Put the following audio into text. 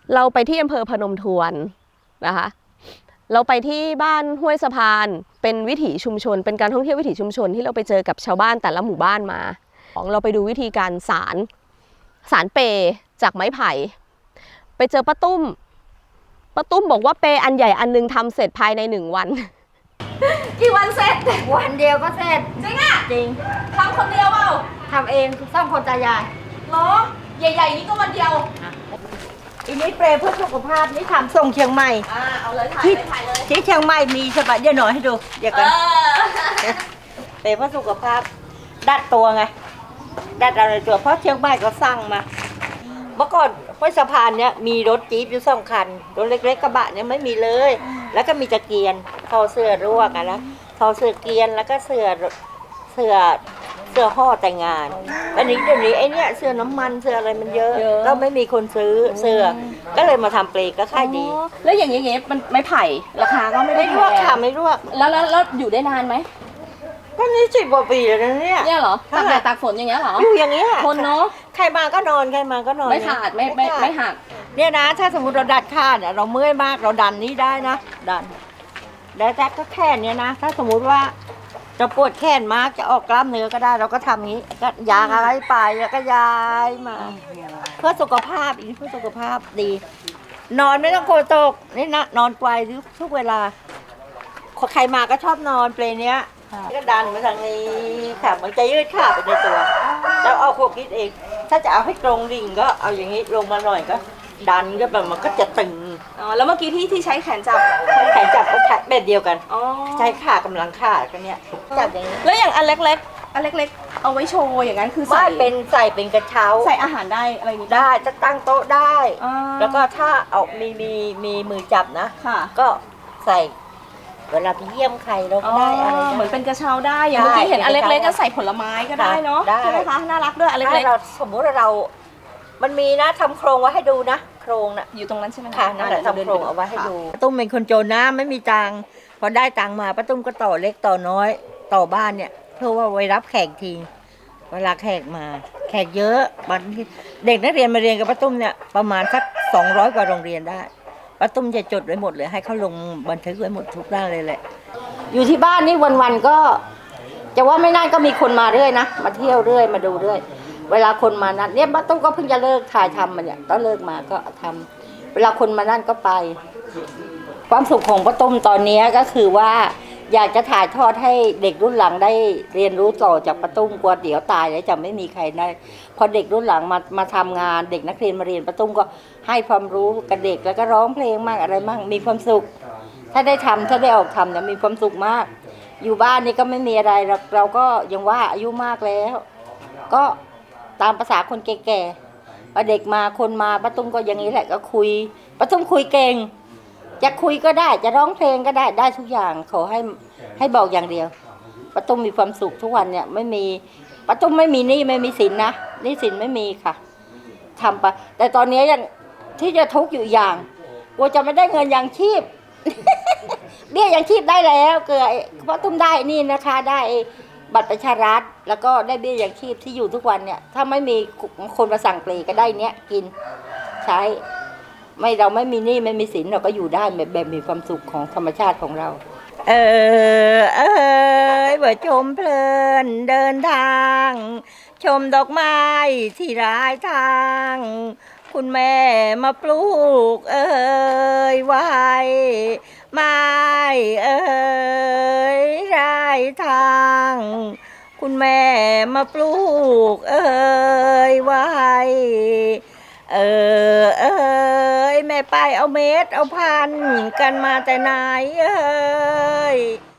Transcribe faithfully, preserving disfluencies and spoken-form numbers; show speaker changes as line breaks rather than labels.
เราไปที่อำเภอพนมทวนนะคะเราไปที่บ้านห้วยสะพานเป็นวิถีชุมชนเป็นการท่องเที่ยววิถีชุมชนที่เราไปเจอกับชาวบ้านแต่ละหมู่บ้านมาของเราไปดูวิธีการสารสารเปจากไม้ไผ่ไปเจอป้าตุ้มป้าตุ้มบอกว่าเปอันใหญ่อันนึงทำเสร็จภายในหนึ่งวันกี่วันเสร็จ
วันเดียวก็เสร็จ
จริงอ่ะ
จริง
ทำคนเดียวเปล่า
ทำเองสองคนตายาย
เหรอใหญ่ๆนี้ก็วันเดียว
อันนี้เปรย์เพื่อสุขภาพนี่ทำส่งเชียงใหม่
อ่าเอาเลยถ่ายเลยถ่ายเลย
ที่เชียงใหม่มีใช่ปะเดี๋ยวหน่อยให้ดูเดี๋ยวกันเปรย์เพื่อสุขภาพดัดตัวไงดัดอะไรตัวเพราะเชียงใหม่ก็สั่งมาเมื่อก่อนห้วยสะพานเนี้ยมีรถจี๊ปอยู่สองคันรถเล็กๆกระบะเนี้ยไม่มีเลยแล้วก็มีตะเกียนทอเสื้อรั่วกันนะทอเสื้อเกียนแล้วก็เสื้อเสื้อเสื้อห่อแต่งงานอันนี้เดี๋ยวนี้ไอ้เนี้ยเสื้อน้ำมันเสื้ออะไรมันเยอะก็ไม่มีคนซื้อเสื้อก็เลยมาทำเปลก็ค่ายดี
แล้วอย่างเงี้ยมันไม่ไผ่ราคาก็ไม่ได้
รั่วค่ะไม่รั่ว
แล้วแล้วแล้วอยู่ได้นานไหม
ก็นี่สิบกว่าปีแล้วนะเนี่ย
เนี่ยเหรอตากแดดตากฝนอย่างเงี้ยเหรอ
อยู่อย่างเงี้ย
ทนเนาะ
ใครมาก็นอนใครมาก็นอน
ไม่ขาดไม่ไม่ไม่หัก
เนี่ยนะถ้าสมมติเราดัดขาดเราเมื่อยมากเราดันนี้ได้นะดันแล้วแต่ก็แค่นี้นะถ้าสมมุติว่าจะปวดแขนมากจะออกกล้ามเนื้อก็ได้เราก็ทำงี้ก็ยางอะไรไปแล้วก็ย้ายมาเพื่อสุขภาพอีกเพื่อสุขภาพดี นอนไม่ต้องโกตกนี่นะนอนไกวทุกเวลาใครมาก็ชอบนอนเปลเนี้ยก็ดันมาทางนี้ค่ะมันจะยืดขาไปในตัวแล้วเอาพวกคิดเองถ้าจะเอาให้ตรงดิ่งก็เอาอย่างนี้ลงมาหน่อยก็ดันก็แบบมันก็จะตึง
อ๋อแล้วเมื่อกี้ที่ที่ใช้แขนจับ
แขนจับก็แบบเดียวกันอ๋อใช้ขากำลังขากันเนี้ยจับอย่างนี้
แล้วอย่างอันเล็กๆอันเล็กๆเอาไว้โชว์อย่างนั้นคือใส่
เป็นใส่เป็นกระเช้า
ใส่อาหารได้อะไรนี้
ได้จะตั้งโต๊ะได้แล้วก็ถ้าเอามีมีมีมือจับนะก็ใส่เวลาไปเยี่ยมใครเราก็ได้อะไร
เหมือนเป็นกระเช้าได้อย่างเมื่อกี้เห็นอันเล็กๆก็ใส่ผลไม้ก็ได้เนาะใช่ไหมคะน่ารักด้วยอันเล็ก
ๆเราสมมุติว่าเรามันมีนะทำโครงไว้ให้ดูนะโครงน่ะ
อยู่ตรงนั้นใช่ไหม
คะนั่นแหละทำโครงเอาไว้ให้ดูป้าตุ้มเป็นคนโจรนะไม่มีตังค์พอได้ตังค์มาป้าตุ้มก็ต่อเล็กต่อน้อยต่อบ้านเนี่ยเพื่อว่าไว้รับแขกทีเวลาแขกมาแขกเยอะบางเด็กนักเรียนมาเรียนกับป้าตุ้มเนี่ยประมาณสักสองร้อยกว่าโรงเรียนได้ป้าตุ้มจะจดไว้หมดเลยให้เขาลงบันทึกไว้หมดทุกด้านเลยแหละอยู่ที่บ้านนี่วันๆก็จะว่าไม่นานก็มีคนมาเรื่อยนะมาเที่ยวเรื่อยมาดูเรื่อยเวลาคนมานั่นเนี่ยป้าตุ้มก็เพิ่งจะเลิกถ่ายทำมันเนี่ยต้องเลิกมาก็ทำเวลาคนมานั่นก็ไปความสุขของป้าตุ้มตอนนี้ก็คือว่าอยากจะถ่ายทอดให้เด็กรุ่นหลังได้เรียนรู้ต่อจากป้าตุ้มกลัวเดี๋ยวตายแล้วจะไม่มีใครได้พอเด็กรุ่นหลังมามาทำงานเด็กนักเรียนมาเรียนป้าตุ้มก็ให้ความรู้กับเด็กแล้วก็ร้องเพลงมากอะไรมากมีความสุขถ้าได้ทำถ้าได้ออกทำเนี่ยมีความสุขมากอยู่บ้านนี่ก็ไม่มีอะไรเราเราก็ยังว่าอายุมากแล้วก็ตามภาษาคนแก่ๆพอเด็กมาคนมาป้าตุ้มก็อย่างนี้แหละก็คุยป้าตุ้มคุยเก่งจะคุยก็ได้จะร้องเพลงก็ได้ได้ทุกอย่างขอให้ให้บอกอย่างเดียวป้าตุ้มมีความสุขทุกวันเนี่ยไม่มีป้าตุ้มไม่มีหนี้ไม่มีสินนะหนี้สินไม่มีค่ะทำไปแต่ตอนนี้ยังที่จะทุกข์อยู่อย่างกลัวจะไม่ได้เงินยังชีพเบี้ยยังชีพได้แล้วเกิดป้าตุ้มได้นี่นะคะได้บัตรประชารัฐแล้วก็ได้เบี้ยยังชีพที่อยู่ทุกวันเนี่ยถ้าไม่มีคนมาสั่งเปลก็ได้เนี้ยกินใช้ไม่เราไม่มีหนี้ไม่มีสินเราก็อยู่ได้แบบแบบมีความสุขของธรรมชาติของเราเออเออเบอชมเพลินเดินทางชมดอกไม้ที่รายทางคุณแม่มาปลูกเอ้ยไว้ไม้เอ้ยรายทางคุณแม่มาปลูกเอ้ยไว้เออเอ้ยแม่ไปเอาเม็ดเอาพันกันมาแต่ไหนเอ้ย